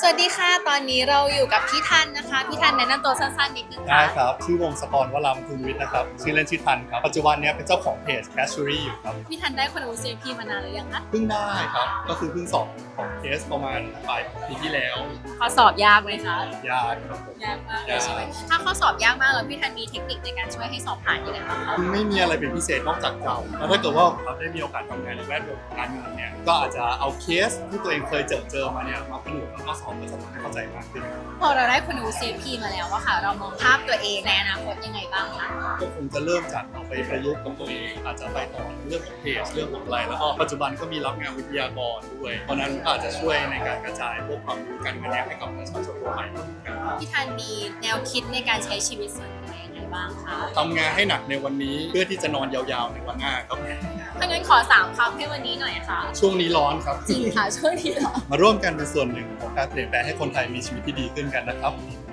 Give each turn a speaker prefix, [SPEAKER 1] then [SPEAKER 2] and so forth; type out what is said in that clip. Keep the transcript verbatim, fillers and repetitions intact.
[SPEAKER 1] สวัสดีค่ะตอนนี้เราอยู่กับพี่ทันนะคะพี่ทันแนะนำตัวสั้นๆนิดนึง
[SPEAKER 2] ได้
[SPEAKER 1] ค่ะ
[SPEAKER 2] ครับชื่อวงศกรวรำภูมิวิทย์นะครับชื่อเล่นชื่อทันครับปัจจุบันเนี้ยเป็นเจ้าของเพจ Casuary อยู่ครับ
[SPEAKER 1] พี่ทันได้คนรู้ ซี พี มานานหรือยังคะ
[SPEAKER 2] เพิ่งได้ครับก็คือเพิ่งสอบของเคสประมาณปลายปีที่แล้ว
[SPEAKER 1] ข้อสอบยากไหมคะ
[SPEAKER 2] ยากครับผม
[SPEAKER 1] ยากมากเลยใช่ไหมถ้าข้อสอบยากมากแล้วพี่ทันมีเทคนิคในการช่วยให้สอบผ่านยังไงบ้างคะ
[SPEAKER 2] ไม่มีอะไรเป็นพิเศษนอกจากเก่าแล้วถ้าเกิดว่าเราได้มีโอกาสทำงานในแวดวงการเงินเนี่ยก็อาจจะเอาเคสที่ตัวเองเคยเจอเจอมาเนี่ยมาผนวกกับข้อสอบก็จะทำให้เข้าใจมากขึ้น
[SPEAKER 1] พอเราได้คนรู้ ซี พี มาแล้วอะค่ะเรามองภาพตัวเองในอนาคตยังไงบ้างคะ
[SPEAKER 2] ก็คงจะเริ่มจากเอาไปประยุกต์กับตัวเองอาจจะไปต่อเรื่องของเพจเรื่องของอะไรแล้วก็ปัจจุบันก็มีรับงานวิทยากรด้วยเพราะนั้นก็อาจจะช่วยในการกระจายพวกความรู้การเงินเนี่ยให้กับประชาชนทั่วไปเหมือนกัน
[SPEAKER 1] พี่ทันมีแนวคิดในการใช้ชีวิตส่วนตัวยังไงบ้างคะ
[SPEAKER 2] ทำงานให้หนักในวันนี้เพื่อที่จะนอนยาวๆในวันหน้าครับ
[SPEAKER 1] ถ้างั้นขอสามคำให้วันนี้หน่อยค่ะ
[SPEAKER 2] ช่วงนี้ร้อนครับ
[SPEAKER 1] จริงค่ะช่วงนี้เหรอ
[SPEAKER 2] มาร่วมกันเป็นส่วนหนึ่งของการเปลี่ยนแปลงให้คนไทยมีชีวิตที่ดีขึ้นกันนะครับ